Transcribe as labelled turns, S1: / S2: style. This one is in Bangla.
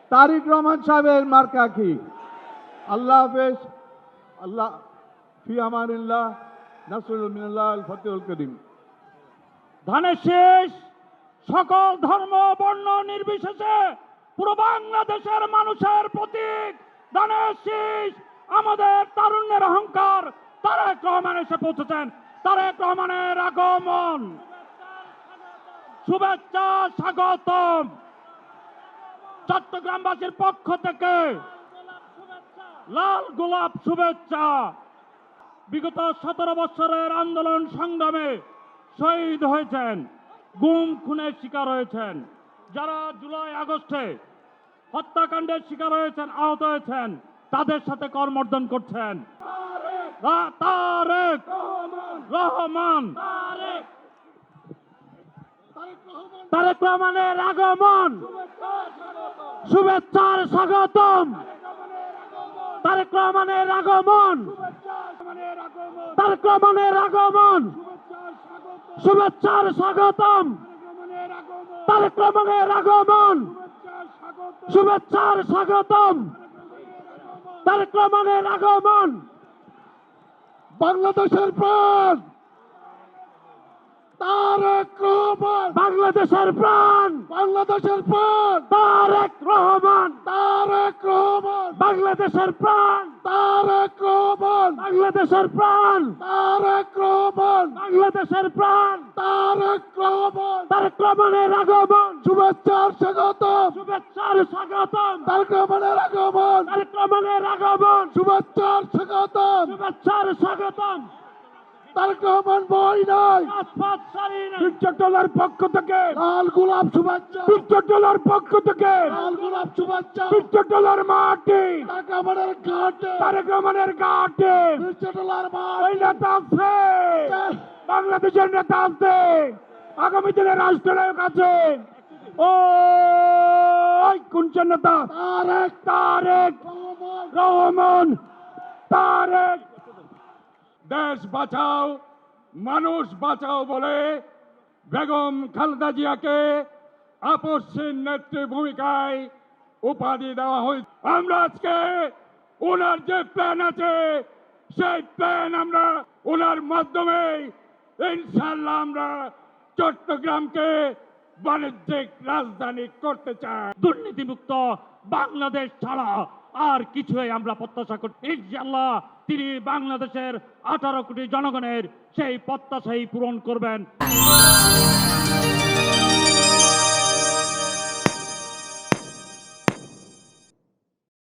S1: তারেক রহমান সাহেবের মার্কা কি? আল্লাহ হাফেজ। আল্লাহ ফি আমানিল্লাহ, নাসরুল মিনাল্লাহ, আল ফাতিহুল করিম।
S2: ধানের শীষ সকল ধর্ম বর্ণ নির্বিশেষে পুরো বাংলাদেশের মানুষের প্রতীক। ধানের শীষ আমাদের তারুণ্যের অহংকার। তারেক রহমান এসে পৌঁছেছেন। তারেক রহমানের আগমন, শুভেচ্ছা, স্বাগতম। চট্টগ্রামবাসীর পক্ষ থেকে লাল গোলাপ শুভেচ্ছা। বিগত 17 বছরের আন্দোলন সংগ্রামে শহীদ হয়েছেন, গুম খুনের শিকার হয়েছেন, যারা জুলাই আগস্টে হত্যাকাণ্ডের শিকার হয়েছেন, আহত হয়েছেন, তাদের সাথে করমর্দন করছেন। তারেক রহমান, তারেক রহমানের আগমন, শুভেচ্ছার স্বাগতম। তারেক রহমানের আগমন, তারেক রহমানের আগমন, শুভেচ্ছার স্বাগতম। তারেক রহমানের আগমন, শুভেচ্ছার স্বাগতম। তারেক রহমানের আগমন।
S1: বাংলাদেশের প্রাণ তারেক রহমান,
S2: বাংলাদেশের প্রাণ,
S1: বাংলাদেশের প্রাণ
S2: তারেক রহমান,
S1: তারেক রহমান,
S2: বাংলাদেশের প্রাণ,
S1: তারেক রহমান,
S2: বাংলাদেশের প্রাণ,
S1: তারেক রহমান,
S2: বাংলাদেশের প্রাণ,
S1: তারেক রহমান।
S2: তারেক রহমানের আগমন,
S1: শুভেচ্ছার স্বাগতম।
S2: শুভেচ্ছার স্বাগতম।
S1: তারেক রহমানের আগমন,
S2: তারেক রহমানের আগমন,
S1: শুভেচ্ছার স্বাগতম।
S2: শুভেচ্ছার স্বাগতম।
S1: তারেক রহমান বই নাই,
S2: রাজপথ সারি নাই।
S1: পিকচারটোলার পক্ষ থেকে লাল গোলাপ শুভেচ্ছা, পিকচারটোলার পক্ষ থেকে লাল গোলাপ শুভেচ্ছা, পিকচারটোলার মাটি, তারেক রহমানের ঘাটে, তারেক রহমানের ঘাটে, পিকচারটোলার মাটি নেতা আছে, বাংলাদেশের নেতা আছে, আগামী দিনে রাষ্ট্রনায়ক আছে। ও কোন নেতা? তারেক, তারেক রহমান, তারেক। দেশ বাঁচাও, মানুষ বাঁচাও বলে বেগম খালেদা জিয়াকে আপসহীন নেত্রী ভূমিকায় উপাধি দেওয়া হয়েছে। আমরা আজকে ওনার যে প্ল্যান আছে সেই প্ল্যান আমরা ওনার মাধ্যমে ইনশাআল্লাহ আমরা চট্টগ্রামকে বাণিজ্যিক রাজধানী করতে চাই। দুর্নীতিমুক্ত বাংলাদেশ ছাড়া আর কিছুই আমরা প্রত্যাশা করি। ইনশাআল্লাহ তিনি বাংলাদেশের 18 কোটি জনগণের সেই প্রত্যাশাই পূরণ করবেন।